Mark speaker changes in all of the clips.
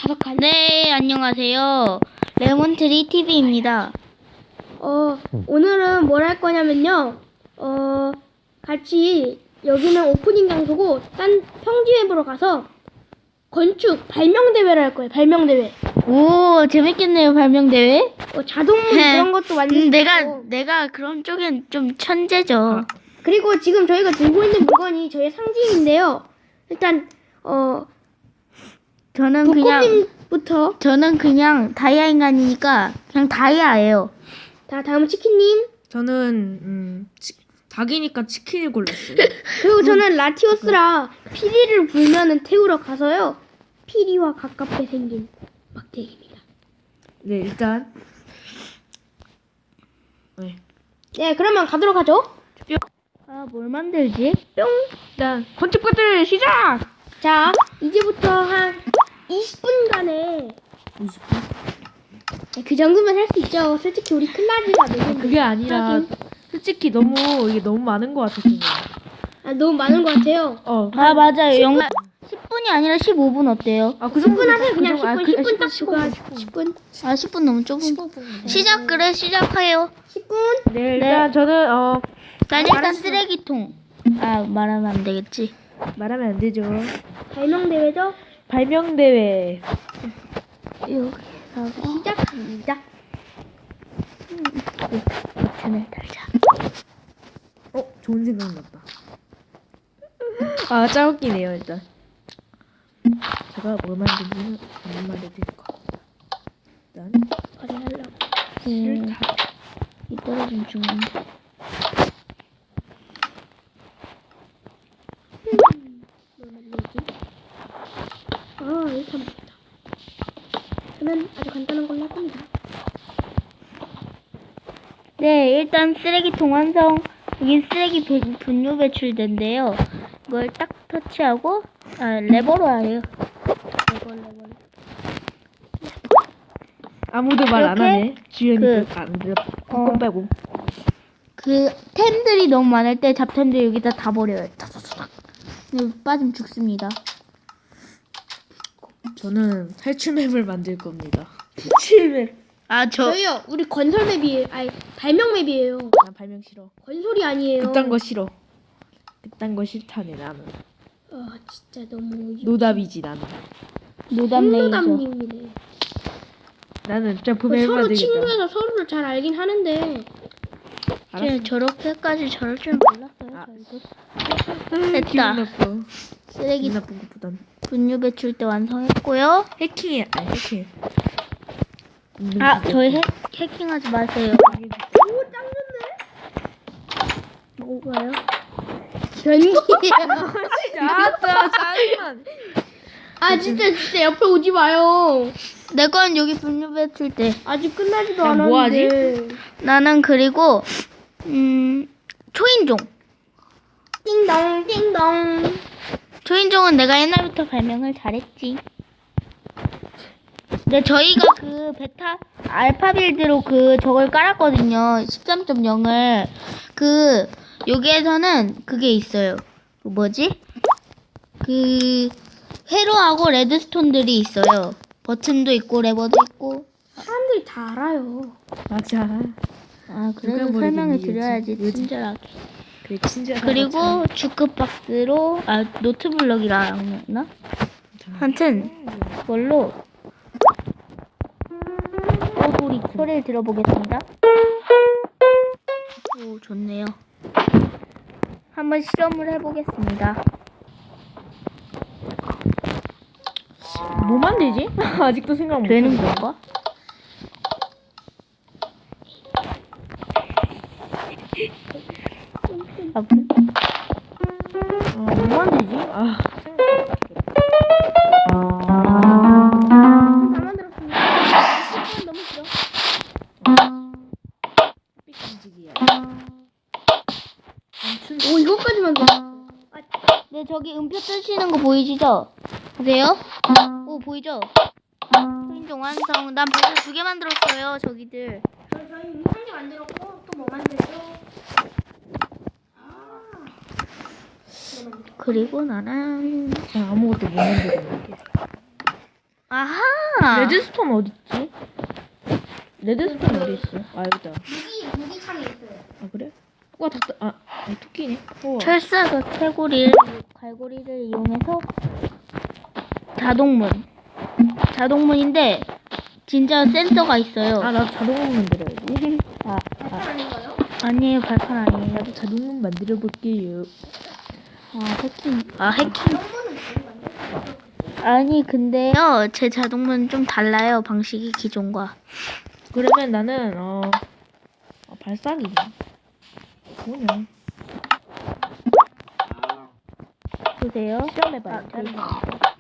Speaker 1: 다섯 칸.
Speaker 2: 네, 안녕하세요. 레몬트리 TV입니다.
Speaker 1: 오늘은 뭘 할 거냐면요. 같이 여기는 오프닝 장소고 딴 평지웹으로 가서 건축 발명 대회를 할 거예요. 발명 대회.
Speaker 2: 오, 재밌겠네요, 발명대회.
Speaker 1: 자동문 그런 것도 만들 수 있고.
Speaker 2: 내가 그런 쪽엔 좀 천재죠.
Speaker 1: 그리고 지금 저희가 들고 있는 물건이 저희 상징인데요. 일단 부코님부터.
Speaker 2: 저는 그냥 다이아 인간이니까 그냥 다이아예요.
Speaker 1: 자, 다음은 치킨님.
Speaker 3: 저는 닭이니까 치킨을 골랐어요.
Speaker 1: 그리고 저는 라티오스라 피리를 불면은 태우러 가서요. 피리와 가깝게 생긴 막대기입니다.
Speaker 3: 네, 일단
Speaker 1: 네, 그러면 가도록 하죠.
Speaker 2: 아, 뭘 만들지?
Speaker 1: 뿅.
Speaker 3: 일단 건축부들 시작.
Speaker 1: 자, 이제부터 한 20분간의
Speaker 3: 20분?
Speaker 1: 그 정도면 할 수 있죠. 솔직히 우리 클라지가 되는
Speaker 3: 그게 아니라 솔직히 이게 너무 많은 것 같아서.
Speaker 1: 너무 많은 것 같아요.
Speaker 2: 아, 맞아요. 영상 10분이 아니라 15분 어때요?
Speaker 3: 그
Speaker 1: 10분 하세요. 그냥 10분,
Speaker 3: 정도.
Speaker 1: 10분 딱
Speaker 3: 10분.
Speaker 1: 그거 10분.
Speaker 2: 아, 10분 너무 좁은 거. 시작해요.
Speaker 1: 10분.
Speaker 3: 네, 일단 저는
Speaker 2: 난 일단 쓰레기통. 아, 말하면 안 되겠지.
Speaker 3: 말하면 안 되죠.
Speaker 1: 발명 대회죠.
Speaker 3: 발명 대회.
Speaker 2: 여기서
Speaker 1: 시작합니다.
Speaker 2: 버튼을 달자.
Speaker 3: 좋은 생각 났다. 아, 짜웃기네요, 일단. 제가 뭘 만든지는 안 말해드릴 거. 일단
Speaker 1: 발휘하려고.
Speaker 3: 싫다.
Speaker 2: 이 떨어진 중인데.
Speaker 1: 뭘 만들지? 일단 봅시다. 저는 아주 간단한 걸로 할 겁니다.
Speaker 2: 네, 일단 쓰레기통 완성. 여기 쓰레기 분유 배출된데요. 이걸 딱 터치하고 레버로 해요. 레버.
Speaker 3: 아무도 말 안
Speaker 2: 이렇게
Speaker 3: 하네. 주연이
Speaker 2: 그-
Speaker 3: 안 들어. 건 빼고.
Speaker 2: 그 템들이 너무 많을 때 잡템들 여기다 다 버려요. 타타타닥. 여기 빠지면 죽습니다.
Speaker 3: 저는 탈출맵을 만들 겁니다. 탈출맵.
Speaker 2: 아,
Speaker 1: 저희요, 우리 건설 맵이에요. 아니, 발명 맵이에요.
Speaker 3: 난 발명 싫어.
Speaker 1: 건설이 아니에요.
Speaker 3: 그딴 거 싫어. 그딴 거 싫다네 나는.
Speaker 1: 진짜 너무
Speaker 3: 노답이지 나는.
Speaker 2: 노담레이저.
Speaker 1: 노담님이네.
Speaker 3: 나는 점프맵
Speaker 1: 서로
Speaker 3: 만들겠다.
Speaker 1: 친구여서 서로를 잘 알긴 하는데
Speaker 3: 알았어.
Speaker 2: 저렇게까지 저럴 줄 몰랐어요. 저희도. 됐다.
Speaker 3: 기분 나빠.
Speaker 2: 쓰레기
Speaker 3: 기분 나쁜 것보단
Speaker 2: 분유 배출대 완성했고요.
Speaker 3: 해킹해. 아니 해킹.
Speaker 2: 저희 해킹하지 마세요.
Speaker 1: 오, 짱 좋네.
Speaker 2: 뭐가요?
Speaker 1: 변기예요.
Speaker 3: 알았어. 짜증나.
Speaker 1: 진짜 옆에 오지 마요.
Speaker 2: 내 건 여기 분유 배출대.
Speaker 1: 아직 끝나지도
Speaker 3: 야,
Speaker 1: 않았는데.
Speaker 3: 뭐 하지?
Speaker 2: 나는 그리고 초인종.
Speaker 1: 띵동 띵동.
Speaker 2: 초인종은 내가 옛날부터 발명을 잘했지. 근데 저희가 그 베타 알파 빌드로 저걸 깔았거든요. 13.0을. 여기에서는 그게 있어요. 뭐지? 회로하고 레드스톤들이 있어요. 버튼도 있고 레버도 있고.
Speaker 1: 사람들이 다 알아요.
Speaker 3: 맞아.
Speaker 2: 아,
Speaker 3: 누가
Speaker 2: 그래도
Speaker 3: 모르겠니,
Speaker 2: 설명을
Speaker 3: 요즘.
Speaker 2: 드려야지,
Speaker 3: 요즘.
Speaker 2: 친절하게.
Speaker 3: 그래 친절하다.
Speaker 2: 그리고 주크박스로 노트블럭이랑 나? 하여튼 그걸로 소리를 들어보겠습니다. 오, 좋네요. 한번 실험을 해보겠습니다.
Speaker 3: 뭐 만들지? 아직도 생각 못.
Speaker 2: 되는 건가?
Speaker 3: 뭐 만들지?
Speaker 1: 다 만들었습니다. 시간 너무 길어.
Speaker 3: 삐끔지기야.
Speaker 1: 오, 이것까지 만들었어.
Speaker 2: 네, 저기 음표 뜨시는 거 보이시죠? 보세요? 오, 보이죠? 초인종 완성. 난 벌써 2개 만들었어요, 저기들.
Speaker 1: 저희 이미 한개 만들었고 또 뭐 만들죠?
Speaker 2: 그리고 나는
Speaker 3: 아무것도 못 만들었는데.
Speaker 2: 아하.
Speaker 3: 레드스톤 어딨지? 레드스톤 어디 있어? 아 여기다.
Speaker 1: 무기창에 있어요.
Speaker 3: 아 그래? 우와 닭. 토끼네. 우와.
Speaker 2: 철사가 갈고리를 이용해서 자동문인데 진짜 센서가 있어요.
Speaker 3: 아 나도 자동문 만들어야지.
Speaker 1: 아닌가요?
Speaker 2: 아니에요, 발판 아니에요.
Speaker 3: 나도 자동문 만들어 볼게요.
Speaker 2: 해킹.
Speaker 1: 정보는 아닌가요?
Speaker 2: 아니 근데요, 제 자동문 좀 달라요, 방식이 기존과.
Speaker 3: 그러면 나는 발사기. 뭐냐?
Speaker 2: 보세요.
Speaker 3: 시험해봐요.
Speaker 2: 다른 거.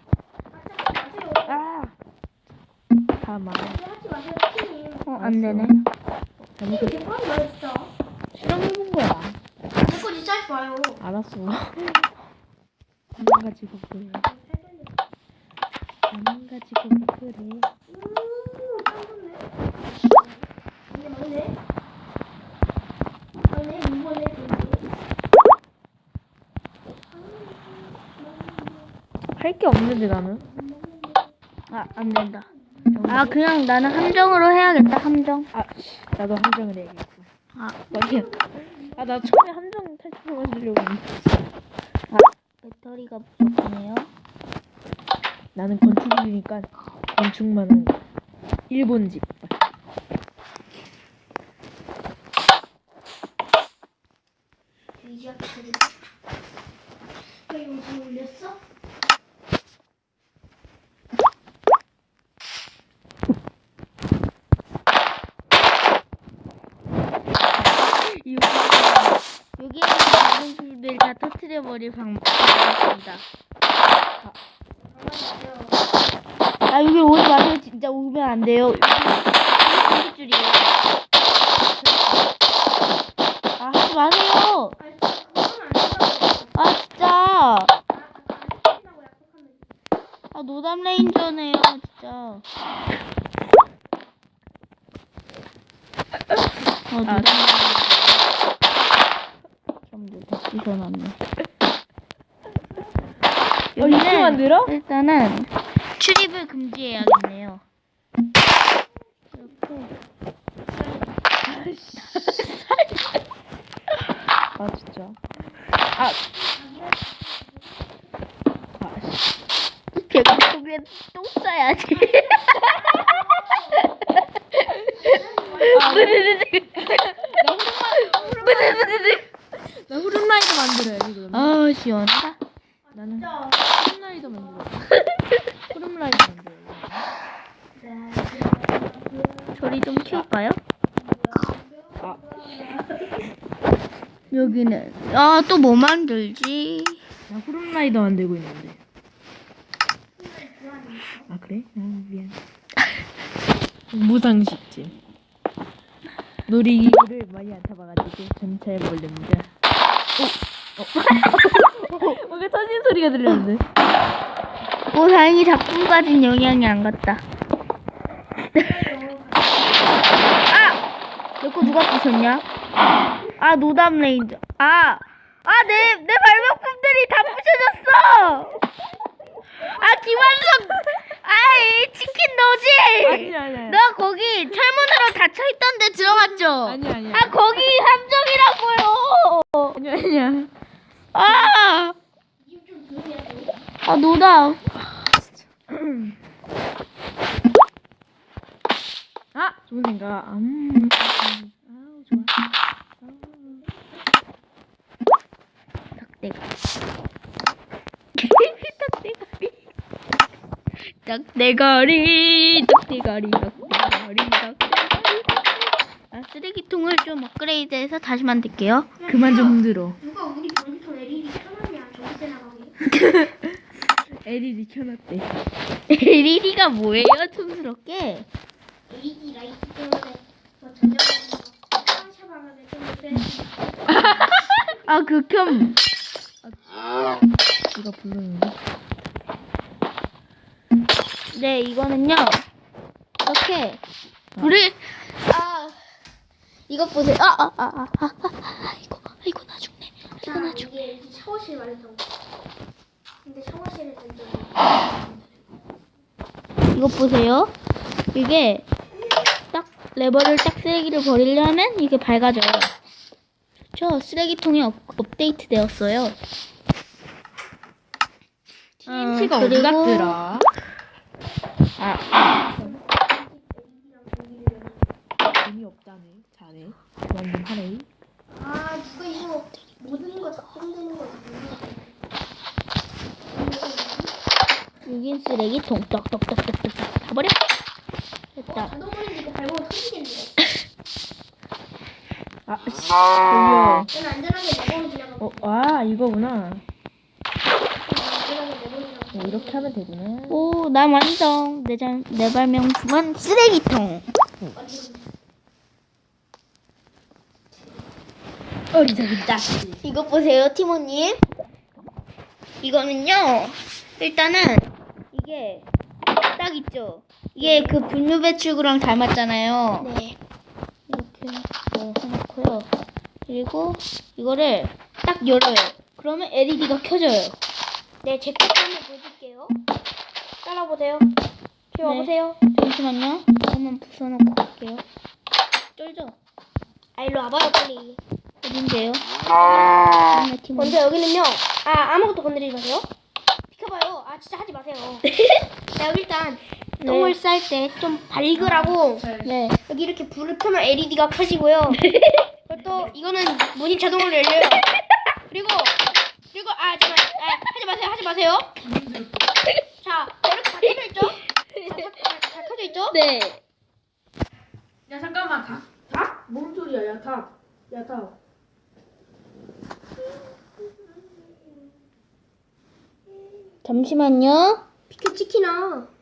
Speaker 3: 다 말해.
Speaker 1: 하지 마세요, 팀님.
Speaker 2: 안 되네.
Speaker 3: 잘못
Speaker 1: 이거 뭐야, 진짜?
Speaker 3: 실험해본 거야.
Speaker 1: 내 거 진짜 하지 마요.
Speaker 3: 알았어. 가지고 그래. 가지고 그래.
Speaker 1: 이게 맞네. 맞네, 이번에
Speaker 3: 할 게 없는데 나는.
Speaker 2: 안 된다. 그냥 나는 함정으로 해야겠다, 함정.
Speaker 3: 나도 함정을 해야겠고. 아니야. 나 처음에 함정 탈출을 만들려고 했는데.
Speaker 2: 배터리가 부족하네요.
Speaker 3: 나는 건축이니까 건축만 하는 거. 일본 집.
Speaker 1: 돼지야, 돼지. 왜 요즘 올렸어?
Speaker 2: 여기에는 모든 술들 다 터트려버릴 방법입니다. 여기 오지 마세요. 진짜 오면 안 돼요. 여기 줄이에요. 하지 마세요. 진짜. 노담 레인저네요, 진짜. 노담 레인저. 다 씻어놨네.
Speaker 3: 이렇게 만들어?
Speaker 2: 일단은 출입을 금지해야겠네요.
Speaker 3: 진짜.
Speaker 2: 배고프면 똥 싸야지.
Speaker 3: 나 후룸라이더 만들어야지 그러면.
Speaker 2: 시원하다.
Speaker 3: 나는 후룸라이더 만들어야지. 후룸라이더 만들어야지.
Speaker 2: 소리 좀 키울까요?
Speaker 3: 아.
Speaker 2: 여기는 또 뭐 만들지?
Speaker 3: 나 후룸라이더 만들고 있는데. 그래? 미안. 무상식집. 놀이기구를 많이 안 타봐가지고 전 잘 모릅니다. 뭔가 터진 소리가 들렸는데.
Speaker 2: 다행히 작품까진 영향이 안 갔다. 내 거 누가 부셨냐? 노담 레인저. 내 발명품들이 다 부셔졌어. 김한석. 치킨 너지?
Speaker 3: 아니야.
Speaker 2: 너 거기 철문으로 닫혀있던데 들어갔죠?
Speaker 3: 아니야.
Speaker 2: 거기 함정이라고요.
Speaker 3: 아니야.
Speaker 2: 노담.
Speaker 3: 좋은 생각. 좋아.
Speaker 2: 닭대가리. 쓰레기통을 좀 업그레이드해서 다시 만들게요.
Speaker 3: 그만 좀 흔들어.
Speaker 1: 누가 우리 모니터 LED 켜놨냐? 전기세 나가게.
Speaker 3: LED 켜놨대.
Speaker 2: LED가 뭐예요, 촌스럽게?
Speaker 1: LED 라이트 때문에 전자레인지 샤방샤방하게 좀
Speaker 2: 극혐.
Speaker 3: 누가 부르는데?
Speaker 2: 네, 이거는요. 이렇게 불을 이것 보세요. 이거 나중에.
Speaker 1: 이게 샤워실 완성. 근데 샤워실을 던져.
Speaker 2: 이것 보세요. 이게 딱 레버를 딱 쓰레기를 버리려면 이게 밝아져요. 좋죠? 쓰레기통이 업데이트 되었어요.
Speaker 3: TNT가 어디
Speaker 2: 그리고-
Speaker 3: 갔더라? 재미없다네. 자네. 그만 좀 하래.
Speaker 1: 아 누가 이거 모든 거 작동되는 거
Speaker 2: 여긴 쓰레기통 떡떡떡떡떡 다 버려. 됐다.
Speaker 1: 자동으로 이거 밟으면 터지겠네.
Speaker 3: 아, 씨. 돌려.
Speaker 1: 저는 안전하게 내버려 지나가고
Speaker 3: 이거구나.
Speaker 1: 안전하게 내버려 지나가고.
Speaker 3: 이렇게 하면 되구나.
Speaker 2: 오, 난 완성. 내 발명품은 쓰레기통.
Speaker 3: 어리석은 자식.
Speaker 2: 이것 보세요, 티모님. 이거는요, 일단은 이게 딱 있죠. 이게 그 분유 배출구랑 닮았잖아요.
Speaker 1: 네.
Speaker 2: 이렇게 해놓고요. 그리고 이거를 딱 열어요. 그러면 LED가 켜져요.
Speaker 1: 네, 제 것도 한번 보여줄게요. 따라보세요. 저기 와보세요.
Speaker 2: 잠시만요. 한번 부숴놓고 갈게요. 쩔죠?
Speaker 1: 아, 일로 와봐요, 빨리.
Speaker 2: 어딘데요? 팀원.
Speaker 1: 먼저 여기는요. 아무것도 건드리지 마세요. 비켜봐요. 진짜 하지 마세요. 자, 여기 일단 똥을 쌀 때 좀 밝으라고
Speaker 2: 네.
Speaker 1: 여기 이렇게 불을 켜면 LED가 켜지고요. 그리고 또 이거는 문이 자동으로 열려요. 그리고 잠깐 하지 마세요. 자, 이렇게 다 켜져 있죠? 다 켜져 있죠?
Speaker 2: 네.
Speaker 3: 야 잠깐만 닭? 뭔 소리야 야 닭. 야 닭.
Speaker 2: 잠시만요.
Speaker 1: 비켜 치키나.